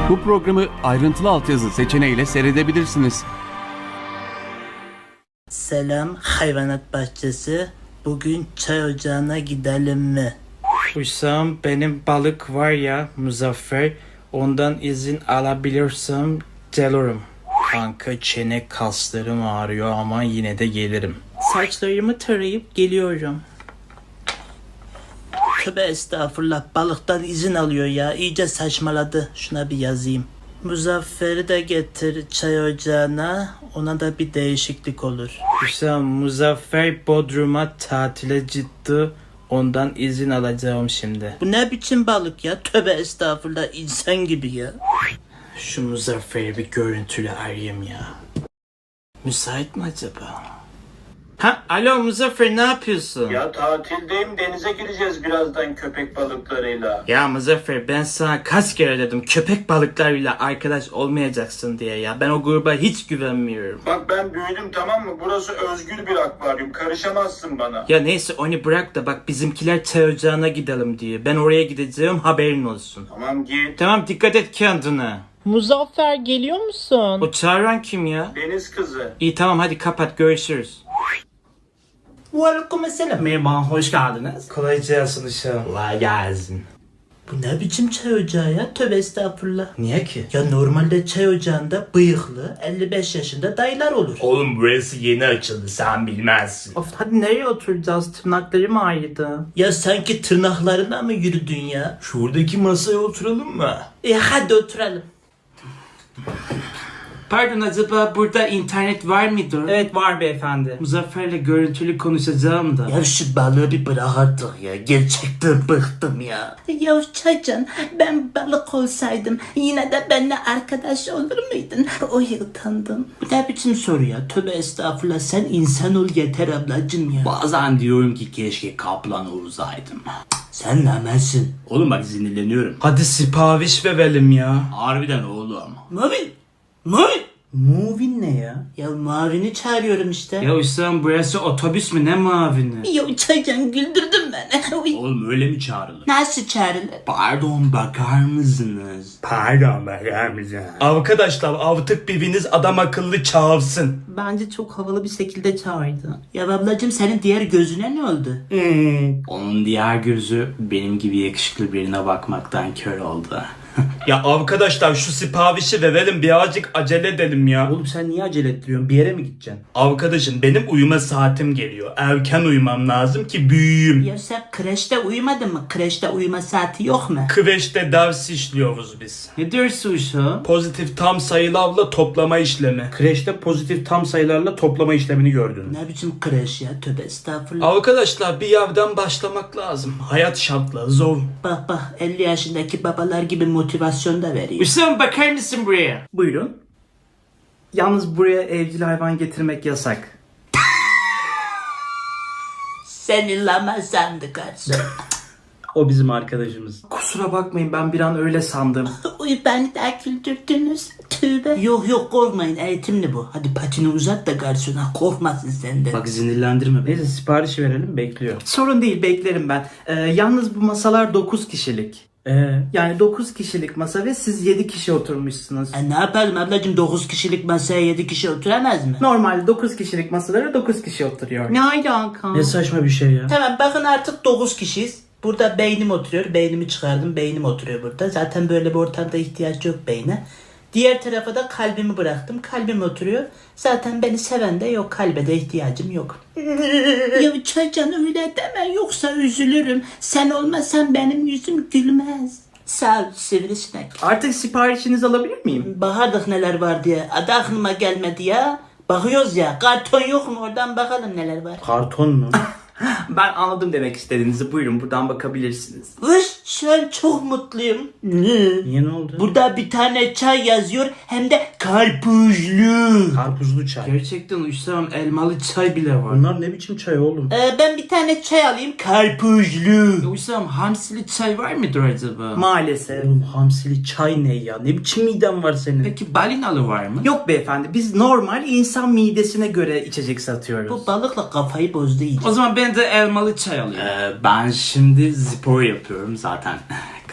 Bu programı ayrıntılı altyazı seçeneğiyle seyredebilirsiniz. Selam hayvanat bahçesi. Bugün çay ocağına gidelim mi? Hüsam, benim balık var ya Muzaffer, ondan izin alabilirsem gelirim. Kanka çene kaslarım ağrıyor ama yine de gelirim. Saçlarımı tarayıp geliyorum. Tövbe estağfurullah, balıktan izin alıyor ya, iyice saçmaladı. Şuna bir yazayım. Muzaffer'i de getir çay ocağına, ona da bir değişiklik olur. Hüsam, Muzaffer Bodrum'a tatile gitti, ondan izin alacağım şimdi. Bu ne biçim balık ya, tövbe estağfurullah, insan gibi ya. Şu Muzaffer'i bir görüntülü arayayım ya. Müsait mi acaba? Ha, alo Muzaffer, ne yapıyorsun? Ya tatildeyim, denize gireceğiz birazdan köpek balıklarıyla. Ya Muzaffer, ben sana kaç kere dedim köpek balıklarıyla arkadaş olmayacaksın diye ya. Ben o gruba hiç güvenmiyorum. Bak ben büyüdüm, tamam mı? Burası özgür bir akvaryum, karışamazsın bana. Ya neyse onu bırak da bak, bizimkiler çay ocağına gidelim diye. Ben oraya gideceğim, haberin olsun. Tamam git. Tamam, dikkat et kendine. Muzaffer geliyor musun? O çağıran kim ya? Deniz kızı. İyi tamam, hadi kapat, görüşürüz. Aleykümselam. Merhaba, hoş geldiniz. Kolay gelsin uşağım. Kolay gelsin. Bu ne biçim çay ocağı ya, tövbe estağfurullah. Niye ki? Ya normalde çay ocağında bıyıklı 55 yaşında dayılar olur. Oğlum burası yeni açıldı, sen bilmezsin. Of, hadi nereye oturacağız? Tırnaklarım ağrıdı. Ya sanki tırnaklarına mı yürüdün ya? Şuradaki masaya oturalım mı? Hadi oturalım. Pardon, acaba burada internet var mıdır? Evet, var beyefendi. Muzaffer'le görüntülü konuşacağım da. Ya şu balığı bir bırak artık ya. Gerçekten bıktım ya. Ya Çaycan, ben balık olsaydım yine de benimle arkadaş olur muydun? O utandım. Bu ne biçim soru ya? Tövbe estağfurullah, sen insan ol yeter ablacım ya. Bazen diyorum ki keşke kaplan olsaydım. Sen namersin. Oğlum bak sinirleniyorum. Hadi sipariş verelim ya. Harbiden oğlum. Mavin! Mavin! Muvin ne ya? Ya Mavin'i çağırıyorum işte. Ya Hüsam, burası otobüs mü, ne mavini? Ya Çaycan, güldürdün beni. Uy. Oğlum öyle mi çağrılır? Nasıl çağrılır? Pardon bakar mısınız? Pardon bakar mısın? Arkadaşlar artık biriniz adam akıllı çağırsın. Bence çok havalı bir şekilde çağırdı. Ya ablacım, senin diğer gözüne ne oldu? Onun diğer gözü benim gibi yakışıklı birine bakmaktan kör oldu. Ya arkadaşlar şu siparişi verelim, birazcık acele edelim ya. Oğlum sen niye acele ettiriyorsun? Bir yere mi gideceksin? Arkadaşım, benim uyuma saatim geliyor. Erken uyumam lazım ki büyüyeyim. Ya sen kreşte uyumadın mı? Kreşte uyuma saati yok mu? Kreşte ders işliyoruz biz. Ne diyorsun Uşa? Pozitif tam sayılarla toplama işlemi. Kreşte pozitif tam sayılarla toplama işlemini gördün. Ne biçim kreş ya? Tövbe estağfurullah. Arkadaşlar bir yerden başlamak lazım. Hayat şartları zor. Bak bak, 50 yaşındaki babalar gibi motivasyon da veriyor. Hüsam, bakar mısın buraya? Buyurun. Yalnız buraya evcil hayvan getirmek yasak. Senin lama sandı garson. O bizim arkadaşımız. Kusura bakmayın, ben bir an öyle sandım. Uy, beni de güldürdünüz. Tövbe. Yok yok, korkmayın, eğitimli bu. Hadi patini uzat da garsona korkmasın senden. Bak sinirlendirme beni. Neyse siparişi verelim, bekliyor. Sorun değil, beklerim ben. Yalnız bu masalar 9 kişilik. Yani 9 kişilik masa ve siz 7 kişi oturmuşsunuz. Ne yapalım ablacım, 9 kişilik masaya 7 kişi oturamaz mı? Normalde 9 kişilik masalara 9 kişi oturuyor. Ne alaka? Ne saçma bir şey ya. Tamam, bakın artık 9 kişiyiz. Burada beynim oturuyor. Beynimi çıkardım. Beynim oturuyor burada. Zaten böyle bir ortamda ihtiyaç yok beyne. Diğer tarafa da kalbimi bıraktım. Kalbim oturuyor. Zaten beni seven de yok. Kalbe de ihtiyacım yok. Ya Çaycan, öyle deme, yoksa üzülürüm. Sen olmasan benim yüzüm gülmez. Sağ ol sivrisinek. Artık siparişinizi alabilir miyim? Bakardık neler var diye. Adı aklıma gelmedi ya. Bakıyoruz ya. Karton yok mu? Oradan bakalım neler var. Karton mu? Ben anladım demek istediğinizi. Buyurun buradan bakabilirsiniz. Vış, şu an çok mutluyum. Niye, ne oldu? Burada bir tane çay yazıyor, hem de karpuzlu. Karpuzlu çay. Gerçekten Hüsam, elmalı çay bile var. Bunlar ne biçim çay oğlum? Ben bir tane çay alayım, karpuzlu. Hüsam, hamsili çay var mıdır acaba? Maalesef. Oğlum hamsili çay ne ya? Ne biçim miden var senin? Peki balinalı var mı? Yok beyefendi, biz normal insan midesine göre içecek satıyoruz. Bu balıkla kafayı bozdu iyice. O zaman ben de elmalı çay alayım. Ben şimdi spor yapıyorum zaten.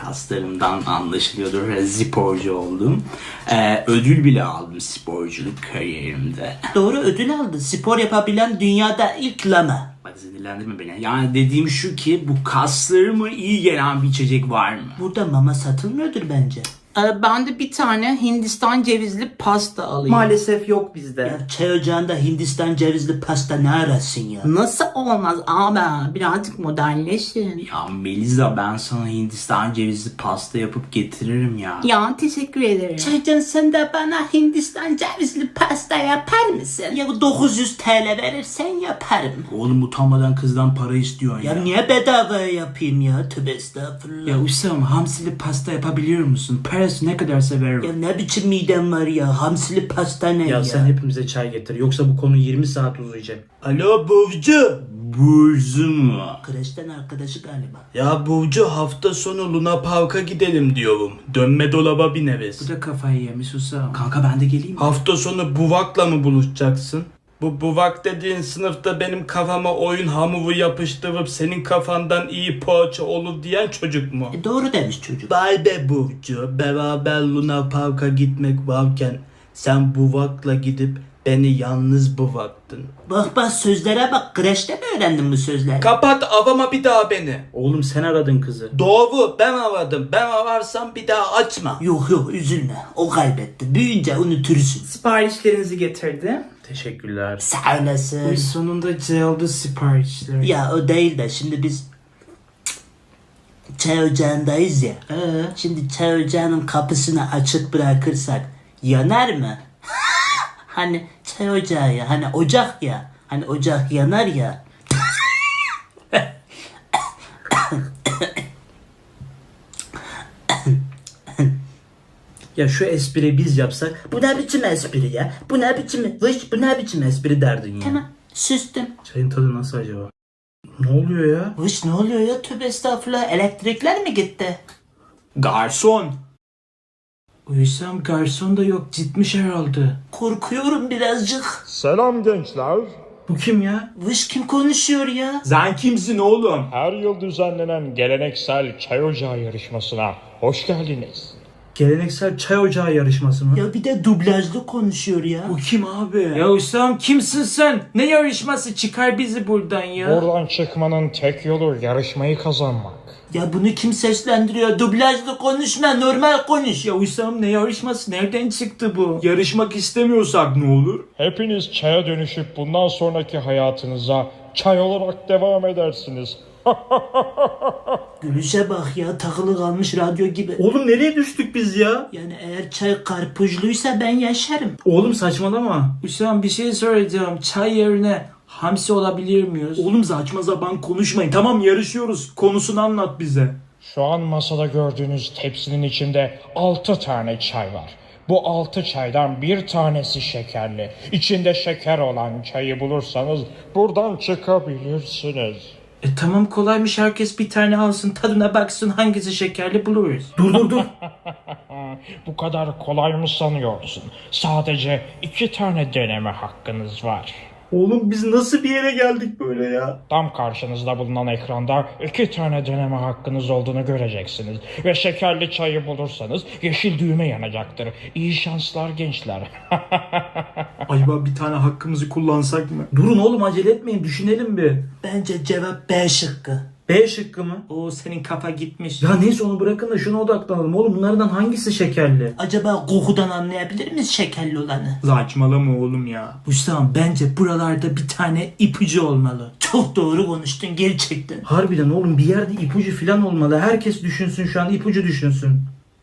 kaslarımdan anlaşılıyordur. Sporcu oldum. Ödül bile aldım sporculuk kariyerimde. Doğru, ödül aldın. Spor yapabilen dünyada ilk lama. Bak sinirlendirme beni. Yani dediğim şu ki bu kaslarıma iyi gelen bir içecek var mı? Burada mama satılmıyordur bence. Ben de bir tane Hindistan cevizli pasta alayım. Maalesef yok bizde. Ya çay ocağında Hindistan cevizli pasta ne arasın ya? Nasıl olmaz abi? Birazcık modernleşin. Ya Melisa, ben sana Hindistan cevizli pasta yapıp getiririm ya. Ya teşekkür ederim. Çaycan, sen de bana Hindistan cevizli pasta yapar mısın? Ya 900 TL verirsen yaparım. Oğlum utanmadan kızdan para istiyorsun ya. Ya niye bedava yapayım ya? Tövbe estağfurullah. Ya Hüsam, hamsili pasta yapabiliyor musun? Parası ne kadar severim. Ya ne biçim midem var ya? Hamsili pasta ne ya? Ya sen hepimize çay getir. Yoksa bu konu 20 saat uzayacak. Alo Burcu. Burcu mu? Kreşten arkadaşı galiba. Ya Burcu, hafta sonu Luna Park'a gidelim diyorum. Dönme dolaba bineriz. Bu da kafayı yemiş Hüsam. Kanka ben de geleyim mi? Hafta sonu Buvak'la mı buluşacaksın? Bu Buvak dediğin sınıfta benim kafama oyun hamuru yapıştırıp senin kafandan iyi poğaça olur diyen çocuk mu? Doğru demiş çocuk. Vay be Burcu, beraber Luna Park'a gitmek varken sen Buvak'la gidip beni yalnız bıraktın. Bak sözlere bak. Kreşte mi öğrendin bu sözleri? Kapat, avama bir daha beni. Oğlum sen aradın kızı. Doğru, ben aradım. Ben ararsam bir daha açma. Yok üzülme. O kaybetti. Büyüyünce unutursun. Siparişlerinizi getirdi. Teşekkürler. Sağ olasın. Sonunda geldi siparişler. Ya o değil de şimdi biz çay ocağındayız ya. Şimdi çay ocağının kapısını açık bırakırsak yanar mı? Hani çay ocağı ya. Hani ocak ya. Hani ocak yanar ya. Ya şu espriyi biz yapsak, bu ne biçim espri ya? Bu ne biçim, bu ne biçim espri derdin ya. Tamam. Süstüm. Çayın tadı nasıl acaba? Ne oluyor ya? Vış ne oluyor ya? Tövbe estağfurullah. Elektrikler mi gitti? Garson. Hüsam garson da yok, gitmiş herhalde. Korkuyorum birazcık. Selam gençler. Bu kim ya? Vış kim konuşuyor ya? Sen kimsin oğlum? Her yıl düzenlenen geleneksel çay ocağı yarışmasına hoş geldiniz. Geleneksel çay ocağı yarışması mı? Ya bir de dublajlı konuşuyor ya. Bu kim abi? Ya Hüsam kimsin sen? Ne yarışması, çıkar bizi buradan ya. Buradan çıkmanın tek yolu yarışmayı kazanmak. Ya bunu kim seslendiriyor? Dublajlı konuşma, normal konuş. Ya Hüsam ne yarışması, nereden çıktı bu? Yarışmak istemiyorsak ne olur? Hepiniz çaya dönüşüp bundan sonraki hayatınıza çay olarak devam edersiniz. Gülüşe bak ya, takılı kalmış radyo gibi. Oğlum nereye düştük biz ya? Yani eğer çay karpuzluysa ben yaşarım. Oğlum saçmalama. Hüsam bir şey soracağım, çay yerine hamsi olabilir miyiz? Oğlum saçma sapan konuşmayın. Tamam, yarışıyoruz. Konusunu anlat bize. Şu an masada gördüğünüz tepsinin içinde 6 tane çay var. Bu 6 çaydan bir tanesi şekerli. İçinde şeker olan çayı bulursanız buradan çıkabilirsiniz. Tamam, kolaymış, herkes bir tane alsın, tadına baksın, hangisi şekerli buluruz. Dur. Bu kadar kolay mı sanıyorsun? Sadece 2 tane deneme hakkınız var. Oğlum biz nasıl bir yere geldik böyle ya? Tam karşınızda bulunan ekranda 2 tane deneme hakkınız olduğunu göreceksiniz. Ve şekerli çayı bulursanız yeşil düğme yanacaktır. İyi şanslar gençler. Acaba bir tane hakkımızı kullansak mı? Durun oğlum, acele etmeyin, düşünelim bir. Bence cevap B şıkkı. B şıkkı mı? O senin kafa gitmiş. Ya neyse, onu bırakın da şuna odaklanalım. Oğlum bunlardan hangisi şekerli? Acaba kokudan anlayabilir miyiz şekerli olanı? Saçmalama oğlum ya. Hüsam, bence buralarda bir tane ipucu olmalı. Çok doğru konuştun gerçekten. Harbiden oğlum, bir yerde ipucu falan olmalı. Herkes düşünsün şu an, ipucu düşünsün.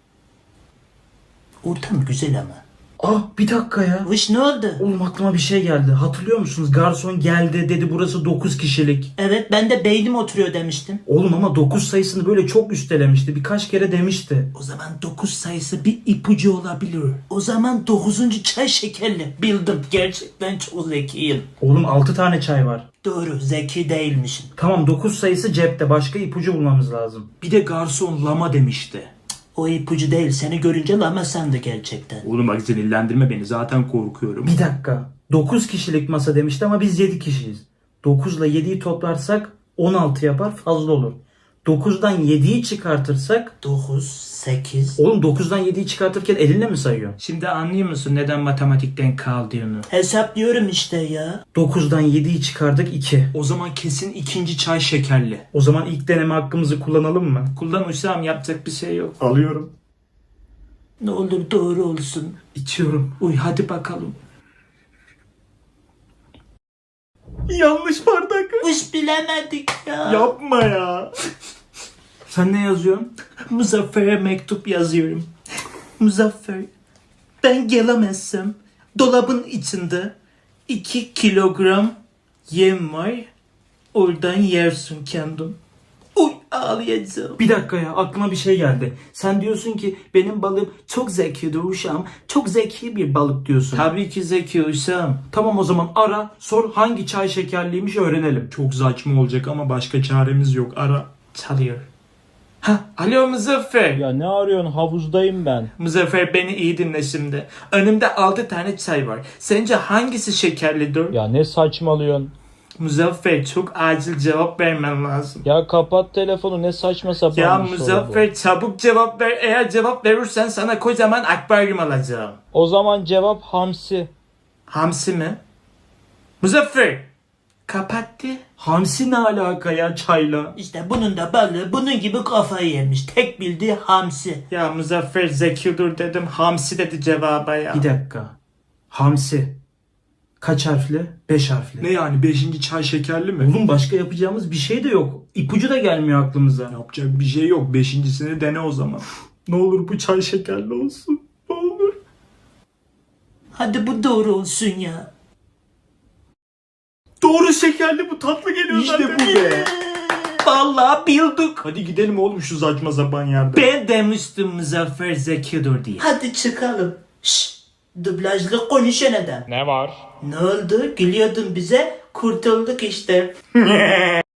Ortam güzel ama. Ah bir dakika ya. Vış ne oldu? Oğlum aklıma bir şey geldi. Hatırlıyor musunuz? Garson geldi dedi, burası 9 kişilik. Evet, ben de beynim oturuyor demiştim. Oğlum ama 9 sayısını böyle çok üstelemişti. Birkaç kere demişti. O zaman 9 sayısı bir ipucu olabilir. O zaman 9. çay şekerli. Bildim. Gerçekten çok zekiyim. Oğlum 6 tane çay var. Doğru, zeki değilmişim. Tamam, 9 sayısı cepte. Başka ipucu bulmamız lazım. Bir de garson lama demişti. O ipucu değil. Seni görünce lama sandı gerçekten. Oğlum bak, sinirlendirme beni. Zaten korkuyorum. Bir dakika. 9 kişilik masa demişti ama biz 7 kişiyiz. 9 ile 7'yi toplarsak 16 yapar, fazla olur. 9'dan 7'yi çıkartırsak 9, 8. oğlum 9'dan 7'yi çıkartırken elinle mi sayıyorsun? Şimdi anlıyor musun neden matematikten kaldığını? Hesaplıyorum işte ya. 9'dan 7'yi çıkardık 2. O zaman kesin ikinci çay şekerli. O zaman ilk deneme hakkımızı kullanalım mı? Kullan Hüsam, yapacak bir şey yok. Alıyorum. Ne olur doğru olsun. İçiyorum. Uy hadi bakalım. Yanlış bardak. Hiç bilemedik ya. Yapma ya. Sen ne yazıyorsun? Muzaffer'e mektup yazıyorum. Muzaffer, ben gelemezsem dolabın içinde 2 kilogram yem var. Oradan yersin kendin. Uy ağlayacağım. Bir dakika ya, aklıma bir şey geldi. Sen diyorsun ki benim balığım çok zekidir uşağım. Çok zeki bir balık diyorsun. Tabii ki Zeki Hüsam. Tamam, o zaman ara sor hangi çay şekerliymiş öğrenelim. Çok saçma olacak ama başka çaremiz yok. Ara. Çalıyor. Ha, alo Muzaffer. Ya ne arıyorsun? Havuzdayım ben. Muzaffer beni iyi dinle şimdi. Önümde 6 tane çay var. Sence hangisi şekerlidir? Ya ne saçmalıyorsun? Muzaffer çok acil cevap vermen lazım. Ya kapat telefonu, ne saçma sapan Ya bir soru bu. Muzaffer çabuk cevap ver. Eğer cevap verirsen sana kocaman akvaryum alacağım. O zaman cevap hamsi. Hamsi mi? Muzaffer kapattı. Hamsi ne alaka ya çayla? İşte bunun da balığı bunun gibi kafayı yemiş. Tek bildiği hamsi. Ya Muzaffer zekidir dedim. Hamsi dedi cevaba ya. Bir dakika. Hamsi. Kaç harfli? 5 harfli. Ne yani 5. çay şekerli mi? Oğlum başka yapacağımız bir şey de yok. İpucu da gelmiyor aklımıza. Yapacak bir şey yok. 5.sini dene o zaman. Ne olur bu çay şekerli olsun. Ne olur. Hadi bu doğru olsun ya. Doğru, şekerli, bu tatlı geliyor İşte zaten. bu be. Vallahi bildik. Hadi gidelim oğlum şu saçma sapan yerde. Ben demiştim Muzaffer zekidir diye. Hadi çıkalım. Şşş. Dublajlı konuşan adam. Ne var? Ne oldu? Gülüyordun bize. Kurtulduk işte.